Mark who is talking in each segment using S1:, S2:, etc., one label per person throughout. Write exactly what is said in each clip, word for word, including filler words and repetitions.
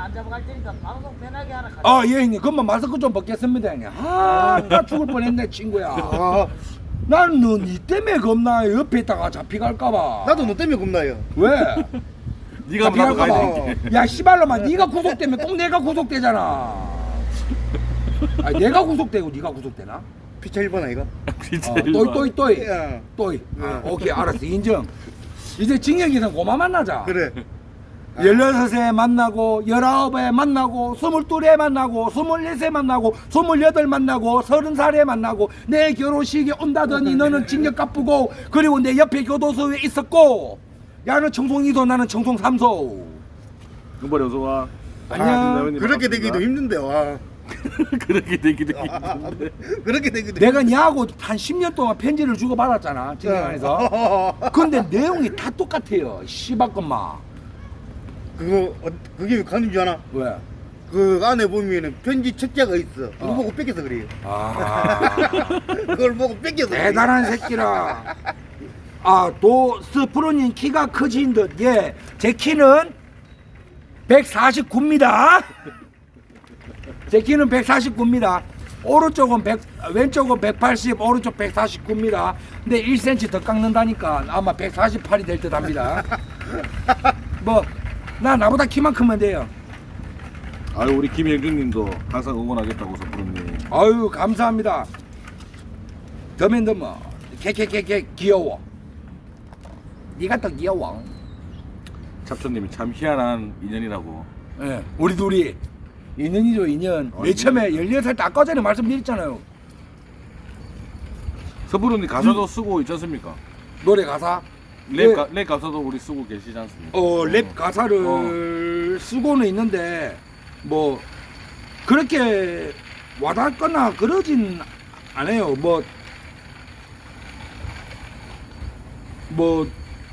S1: 안 잡아갈 테니까 방송 편하게 하라.
S2: 아, 예, 형님. 그러면 마스크 좀 벗겠습니다, 형님. 아, 나 죽을 뻔했네, 친구야. 아, 난너니 때문에 겁나 옆에 있다가 잡히갈까봐.
S3: 나도 너 때문에 겁나요.
S2: 왜?
S4: 네가 하면 나도 가야
S2: 잡히갈까봐.
S4: 되는데.
S2: 야, 씨발로마, 네가 구속되면 꼭 내가 구속되잖아. 아, 내가 구속되고 네가 구속되나?
S3: 피차 일 번 아이가?
S4: 진짜
S2: 어,
S4: 일로
S2: 또이, 또이, 또이.
S3: 야,
S2: 또이. 아, 오케이, 알았어. 인정. 이제 징역이는 고마 만나자.
S3: 그래.
S2: 열여섯에 만나고, 열아홉에 만나고, 스물둘에 만나고, 스물넷에 만나고, 스물여덟 만나고, 서른 살에 만나고, 내 결혼식에 온다더니 너는 징역 갚고, 그리고 내 옆에 교도소에 있었고, 야는 청송 이 소, 나는 청송 삼 소.
S4: 금발이 어서 와.
S2: 안녕.
S3: 그렇게 되기도 힘든데 와.
S4: 그렇게 되기도 힘든데.
S3: 그렇게 되기도.
S2: 내가 니하고 한 십 년 동안 편지를 주고받았잖아, 징역 안에서. 근데 내용이 다 똑같아요, 씨발것마.
S3: 그거 어, 그게 가는 줄 아나?
S2: 왜?
S3: 그 안에 보면은 편지 책자가 있어. 그거
S2: 어.
S3: 보고 뺏겨서 그래요.
S2: 아.
S3: 그걸 보고 뺏겨서. 그래요.
S2: 대단한 새끼라. 아, 도 스프로님 키가 크신 듯. 예, 제 키는 백사십구입니다. 제 키는 백사십구입니다. 오른쪽은 백, 왼쪽은 백팔십, 오른쪽 백사십구입니다. 근데 일 센티미터 더 깎는다니까 아마 백사십팔이 될 듯 합니다. 뭐, 나 나보다 키만 크면 돼요.
S4: 아유 우리 김영준님도 항상 응원하겠다고 서프로님.
S2: 아유, 감사합니다. 더맨 더머, 캐캐캐캐 귀여워. 네가 더 귀여워.
S4: 잡초님이 참 희한한 인연이라고.
S2: 예, 우리 둘이 인연이죠, 인연.
S4: 어,
S2: 맨 처음에 열여덟 살 때 아까 전에 말씀드렸잖아요.
S4: 서프로님 가사도 쓰고 있지 않습니까?
S2: 노래 가사.
S4: 랩,
S2: 예.
S4: 가, 랩 가사도 우리 쓰고 계시지 않습니까?
S2: 어, 랩 가사를 쓰고는 있는데 뭐 그렇게 와닿거나 그러진 않아요. 뭐 뭐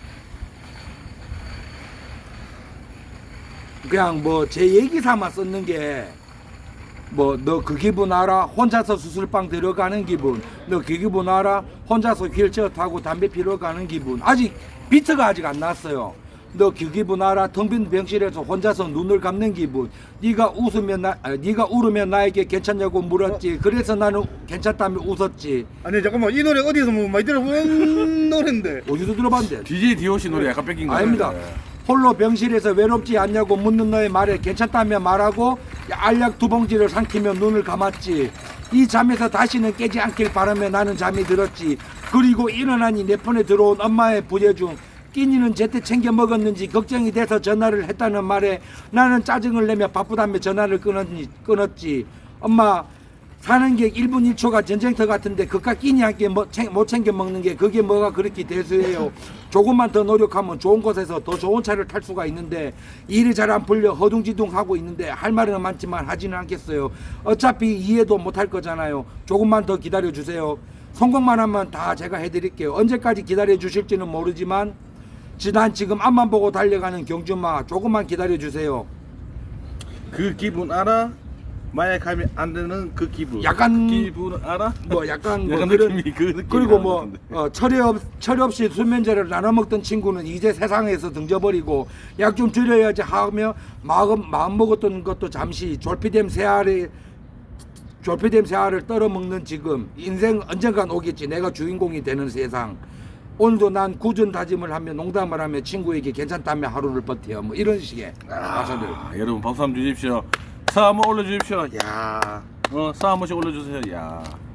S2: 그냥 뭐 제 얘기 삼아 썼는 게 뭐 너 그 기분 알아? 혼자서 수술방 들어가는 기분. 너 그 기분 알아? 혼자서 휠체어 타고 담배 피러 가는 기분. 아직 비트가 아직 안 났어요. 너 그 기분 알아? 텅 빈 병실에서 혼자서 눈을 감는 기분. 네가 웃으면 나, 아, 네가 울으면 나에게 괜찮냐고 물었지. 그래서 나는 괜찮다며 웃었지.
S3: 아니 잠깐만 이 노래 어디서 뭐 많이 들어본 노래인데.
S2: 어디서 들어봤는데?
S4: 디제이 디오씨 노래 약간 뺏긴 거예요.
S2: 아닙니다. 홀로 병실에서 외롭지 않냐고 묻는 너의 말에 괜찮다며 말하고 알약 두 봉지를 삼키며 눈을 감았지. 이 잠에서 다시는 깨지 않길 바라며 나는 잠이 들었지. 그리고 일어나니 내 폰에 들어온 엄마의 부재 중 끼니는 제때 챙겨 먹었는지 걱정이 돼서 전화를 했다는 말에 나는 짜증을 내며 바쁘다며 전화를 끊었니, 끊었지. 엄마, 사는 게 일 분 일 초가 전쟁터 같은데 그깟 끼니 한 개 못 챙겨 먹는 게 그게 뭐가 그렇게 대수해요. 조금만 더 노력하면 좋은 곳에서 더 좋은 차를 탈 수가 있는데 일이 잘 안 풀려 허둥지둥 하고 있는데 할 말은 많지만 하지는 않겠어요. 어차피 이해도 못 할 거잖아요. 조금만 더 기다려 주세요. 성공만 하면 다 제가 해드릴게요. 언제까지 기다려 주실지는 모르지만 난 지금 앞만 보고 달려가는 경주마, 조금만 기다려 주세요.
S4: 그 기분 알아? 마약하면 안 되는 그 기분.
S2: 약간
S4: 그 기분 알아?
S2: 뭐 약간 뭐
S4: 약간
S2: 그런
S4: 느낌이 그 느낌이
S2: 그리고 뭐
S4: 나는데.
S2: 어, 철이 없 철이 없이 수면제를 나눠 먹던 친구는 이제 세상에서 등져버리고 약 좀 줄여야지 하며 마음 마음 먹었던 것도 잠시 졸피뎀 새알에 졸피뎀 새알을 떨어 먹는 지금 인생 언젠간 오겠지. 내가 주인공이 되는 세상. 오늘도 난 굳은 다짐을 하며 농담을 하며 친구에게 괜찮다며 하루를 버텨. 뭐 이런 식의 가사들.
S4: 아, 여러분 박수 한번 주십시오. 사 한번 올려주십시오. 야, 어, 사 한 번씩 올려주세요. 야.